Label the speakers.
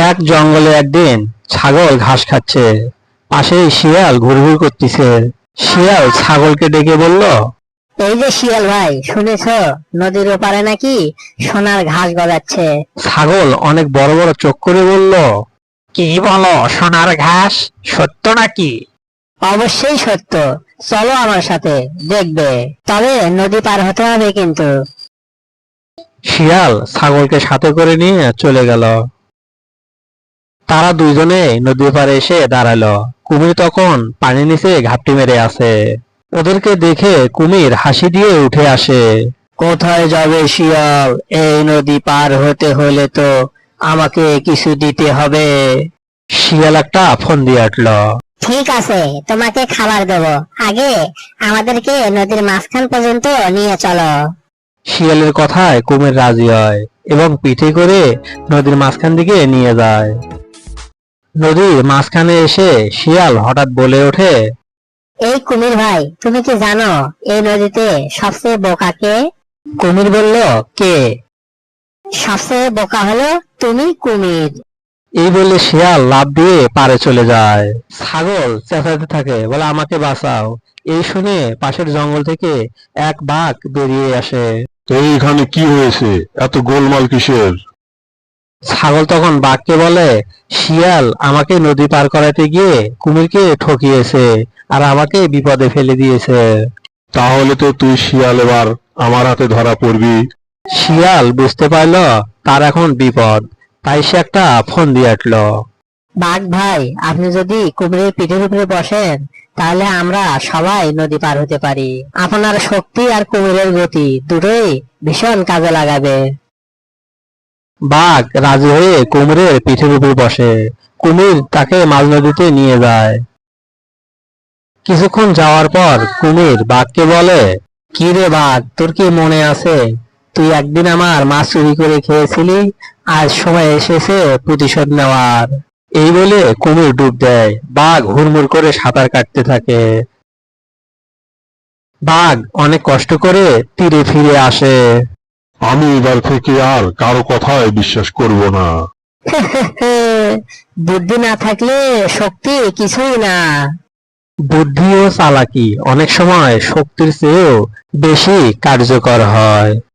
Speaker 1: এক জঙ্গলে একদিন ছাগল ঘাস খাচ্ছে, পাশেই শিয়াল ঘুরঘুর করতেছে। শিয়াল ছাগলকে ডেকে বলল,
Speaker 2: এই যে শিয়াল ভাই, শুনেছো নদীর ওপারে নাকি সোনার ঘাস গজাচ্ছে?
Speaker 1: ছাগল অনেক বড় বড় চোখ করে বলল, কি বলো, সোনার ঘাস? সত্য নাকি?
Speaker 2: অবশ্যই সত্য, চলো আমার সাথে, দেখবে। তবে নদী পার হতে হবে কিন্তু।
Speaker 1: শিয়াল ছাগলকে সাথে করে নিয়ে চলে গেল। তারা দুইজনে নদীর পাড়ে এসে দাঁড়ালো। কুমির তখন পানির নিচে ঘাপটি মেরে আছে। ওদেরকে দেখে কুমির হাসি দিয়ে উঠে আসে। কোথায় যাবে শিয়াল? এই নদী পার হতে হলে তো আমাকে কিছু দিতে হবে। শিয়াল একটা ফোন দিয়ে আটলো।
Speaker 2: ঠিক আছে, তোমাকে খাবার দেবো, আগে আমাদেরকে নদীর মাঝখান পর্যন্ত নিয়ে চলো।
Speaker 1: শিয়ালের কথায় কুমির রাজি হয় এবং পিঠে করে নদীর মাঝখান দিকে নিয়ে যায়। নদীর মাঝখানে এসে শিয়াল হঠাৎ বলে ওঠে,
Speaker 2: এই কুমির ভাই, তুমি কি জানো এই নদীতে সবচেয়ে বোকা কে?
Speaker 1: কুমির বলল, কে?
Speaker 2: সবচেয়ে বোকা হলো তুমি, কুমির।
Speaker 1: এই বলে শিয়াল লাফ দিয়ে পারে চলে যায়। ছাগল চেঁচাতে থাকে, বলে আমাকে বাঁচাও। এই শুনে পাশের জঙ্গল থেকে এক বাঘ বেরিয়ে আসে।
Speaker 3: এইখানে কি হয়েছে? এত গোলমাল কিসের?
Speaker 1: ছাগল তখন বাঘকে বলে, শিয়াল আমাকে নদী পার করাতে গিয়ে কুমিরকে ঠকিয়েছে আর আমাকে বিপদে ফেলে দিয়েছে।
Speaker 3: তাহলে তো তুই শিয়াল এবার আমার হাতে ধরা পড়বি।
Speaker 1: শিয়াল বুঝতে পারল তার এখন বিপদ, তাই সে একটা ফোন দিয়ে আটলো।
Speaker 2: বাঘ ভাই, আপনি যদি কুমিরের পিঠের উপরে বসেন তাহলে আমরা সবাই নদী পার হতে পারি। আপনার শক্তি আর কুমিরের গতি দুটোই ভীষণ কাজে লাগাবে।
Speaker 1: বাঘ রাজি হয়ে কুমিরের পিঠের উপর বসে। কুমির তাকে মাঝ নদীতে নিয়ে যায়। কিছুক্ষণ যাওয়ার পর কুমির বাঘকে বলে, কি রে বাঘ, তোর কি মনে আছে তুই একদিন আমার মাছ চুরি করে খেয়েছিলি? আজ সময় এসেছে প্রতিশোধ নেওয়ার। এই বলে কুমির ডুব দেয়। বাঘ হুড়মুড় করে সাঁতার কাটতে থাকে। বাঘ অনেক কষ্ট করে তীরে ফিরে আসে।
Speaker 3: আমি এবার থেকে আর কারো কথায় বিশ্বাস করব না।
Speaker 2: বুদ্ধি না থাকলে শক্তি কিছুই না।
Speaker 1: বুদ্ধি ও চালাকি অনেক সময় শক্তির চেয়েও বেশি কার্যকর হয়।